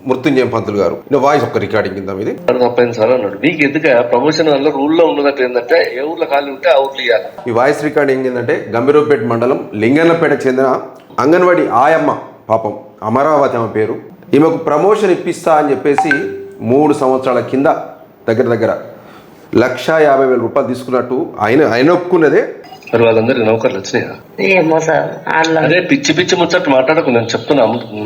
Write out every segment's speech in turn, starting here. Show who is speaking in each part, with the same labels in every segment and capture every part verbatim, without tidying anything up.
Speaker 1: మృత్యుంజయం పంతులు గారు వాయిస్ ఒక రికార్డింగ్ కింద ఇది
Speaker 2: తప్పైంది సార్ అన్నాడు. మీకు ఎందుకు ప్రమోషన్ వల్ల రూల్లో ఉన్నదట్టు ఏంటంటే ఏ ఊర్లో ఖాళీ ఉంటే ఆ ఊర్లు ఇవ్వాలి.
Speaker 1: ఈ వాయిస్ రికార్డింగ్ ఏంటంటే గంభీరపేట మండలం లింగన్నపేటకు చెందిన అంగన్వాడి ఆయమ్మ, పాపం అమరావతి ఆమె పేరు. ఈమెకు ప్రమోషన్ ఇప్పిస్తా అని చెప్పేసి మూడు సంవత్సరాల కింద దగ్గర దగ్గర లక్ష యాభై వేల రూపాయలు తీసుకున్నట్టు ఆయన ఆయన ఒప్పుకున్నదే.
Speaker 2: మరి వాళ్ళందరికి నౌకర్లు వచ్చినాయా?
Speaker 3: ఏమో సార్.
Speaker 2: అదే పిచ్చి పిచ్చి ముచ్చట్టు మాట్లాడకు, నేను చెప్తున్నా.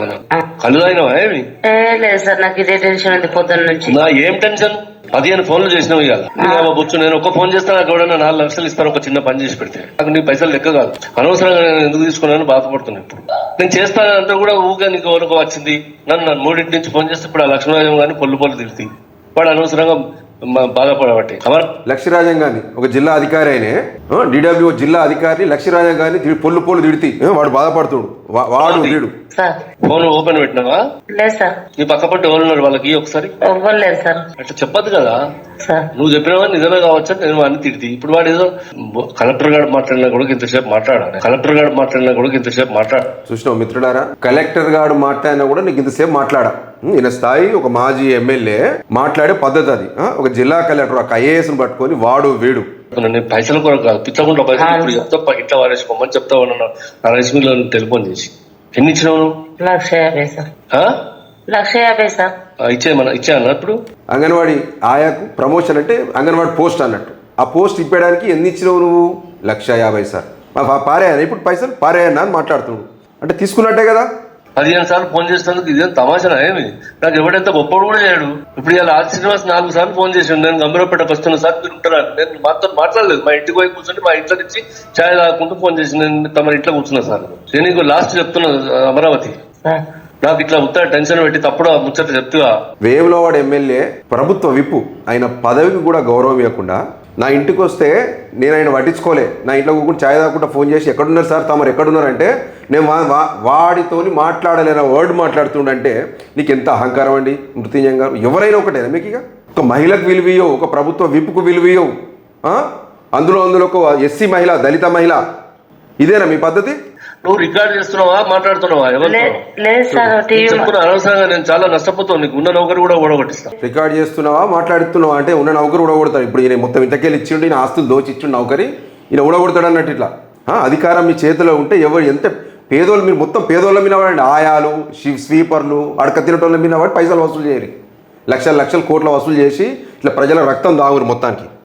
Speaker 2: కళ్ళు అయినవా ఏమి?
Speaker 3: లేదు సార్, నాకు ఇదే టెన్షన్ ఉంది పొద్దున్న నుంచి.
Speaker 2: నా ఏం టెన్షన్? పదిహేను ఫోన్లు చేసినావు ఇవాళ బొచ్చు. నేను ఒక ఫోన్ చేస్తాను, నాకు ఎవడన్నా నాలుగు లక్షలు ఇస్తాను ఒక చిన్న పని చేసి పెడితే. నాకు నీ పైసలు లెక్క కాదు. అనవసరంగా నేను ఎందుకు తీసుకున్నాను బాధపడుతున్నాను. ఇప్పుడు నేను చేస్తానంటే కూడా ఊగా నీకు ఎవరికి వచ్చింది. నన్ను నన్ను మూడింటి నుంచి ఫోన్ చేస్తే ఇప్పుడు ఆ లక్ష్మీరాజం కానీ పొల్లు పొల్లు తిరిగి వాడు అనవసరంగా బాధపడబట్టి.
Speaker 1: లక్ష్మీరాజం గాని ఒక జిల్లా అధికారి అయినే, డిడబ్ల్యూ జిల్లా అధికారి లక్ష్మీరాజం గాని పొల్లు పొల్లు తిడితే వాడు బాధపడుతుడు. వాడు వీడు
Speaker 2: ఫోన్ ఓపెన్ పెట్టినావా?
Speaker 3: లేదు సార్.
Speaker 2: నీ పక్క పట్టి ఎవరు ఉన్నారు వాళ్ళకి ఒకసారి?
Speaker 3: లేదు సార్.
Speaker 2: అట్లా చెప్పదు కదా. నువ్వు చెప్పినావా నిజమే కావచ్చు నేను వాడిని తిడితే. ఇప్పుడు వాడు ఏదో కలెక్టర్ గారు మాట్లాడినా కూడా ఇంతసేపు మాట్లాడాలి. కలెక్టర్ గారు మాట్లాడినా కూడా ఇంతసేపు మాట్లాడ
Speaker 1: చూసినావు మిత్రుడారా? కలెక్టర్ గారు మాట్లాడినా కూడా నీకు ఇంతసేపు మాట్లాడా. ఈయన స్థాయి ఒక మాజీ ఎమ్మెల్యే మాట్లాడే పద్ధతి అది. ఒక జిల్లా కలెక్టర్ ఒక ఐఏఎస్ పట్టుకొని వాడు వీడు
Speaker 2: పైసల కొరకు కాదు, పిచ్చకుండా పైసలు ఇప్పుడు చెప్తా ఇట్లా వారేసుకోమని చెప్తావు అన్న నరేష్ లో టెలిఫోన్ చేసి. ఎన్ని ఇచ్చినావు?
Speaker 3: లక్ష యాభై సార్. లక్ష యాభై సార్.
Speaker 2: ఇచ్చేయమన్నా ఇచ్చా అన్న. ఇప్పుడు
Speaker 1: అంగన్వాడీ ఆయాకు ప్రమోషన్ అంటే అంగన్వాడీ పోస్ట్ అన్నట్టు. ఆ పోస్ట్ ఇప్పడానికి ఎన్ని ఇచ్చినావు నువ్వు? లక్ష యాభై సార్. పారేయనా ఇప్పుడు పైసలు? పారేయన్నా అని మాట్లాడుతున్నాడు. అంటే తీసుకున్నట్టే కదా.
Speaker 2: పదిహేను సార్లు ఫోన్ చేసినందుకు ఇదేం తమాషనా ఏమి? నాకు ఎవడంత గొప్పడు కూడా చేయడు. ఇప్పుడు ఇలా ఆది శ్రీనివాస్ నాలుగు సార్లు ఫోన్ చేసాడు. నేను గంభీరపేటకు వస్తున్నా సార్ మీరు ఉంటారా? నేను మాతో మాట్లాడలేదు. మా ఇంటికి పోయి కూర్చొని మా ఇంట్లో నుంచి ఛాయ్ తాగుకుంటూ ఫోన్ చేసి నేను తమ ఇంట్లో కూర్చున్నా సార్. నేను నీకు లాస్ట్ చెప్తున్నా అమరావతి, నాకు ఇట్లా ఉత్తర టెన్షన్ పెట్టి తప్పుడు ముచ్చట చెప్తుగా.
Speaker 1: వేములవాడ ఎమ్మెల్యే ప్రభుత్వ విప్పు ఆయన పదవికి కూడా గౌరవం ఇవ్వకుండా నా ఇంటికి వస్తే నేను ఆయన పట్టించుకోలే. నా ఇంట్లో కూర్చొని ఛాయ్ తాగకుండా ఫోన్ చేసి ఎక్కడున్నారు సార్ తమరు ఎక్కడున్నారంటే నేను వాడితోని మాట్లాడలేన వర్డ్ మాట్లాడుతుండంటే నీకు ఎంత అహంకారం అండి మృత్యుంజయం గారు. ఎవరైనా ఒకటేనా మీకు? ఇక ఒక మహిళకు విలువయవు, ఒక ప్రభుత్వ విప్పుకు విలువయవు, అందులో అందులో ఒక ఎస్సీ మహిళ, దళిత మహిళ. ఇదేనా మీ పద్ధతి?
Speaker 2: నువ్వు రికార్డ్ చేస్తున్నావా మాట్లాడుతున్నావా? అనవసరంగా నేను చాలా నష్టపోతావు. నీకు ఉన్న నౌకరు కూడా ఓడగొట్టిస్తా.
Speaker 1: రికార్డ్ చేస్తున్నావా మాట్లాడుతున్నావా అంటే ఉన్న నౌకరు ఊడగొడతాడు. ఇప్పుడు ఈయన మొత్తం ఇంతకెళ్ళి ఇచ్చిండు, ఈయన ఆస్తులు దోచి ఇచ్చిండు నౌకరి, ఈయన ఊడగొడతాడు అన్నట్టు. ఇట్లా అధికారం మీ చేతిలో ఉంటే ఎవరు ఎంత పేదోళ్ళు మీరు మొత్తం పేదోళ్ళ మీద వాడండి. ఆయాలు, స్వీపర్లు, అడక తినటోళ్ళ మీద వాడి పైసలు వసూలు చేయరు. లక్షల లక్షల కోట్ల వసూలు చేసి ఇట్లా ప్రజల రక్తం దాగురు మొత్తానికి.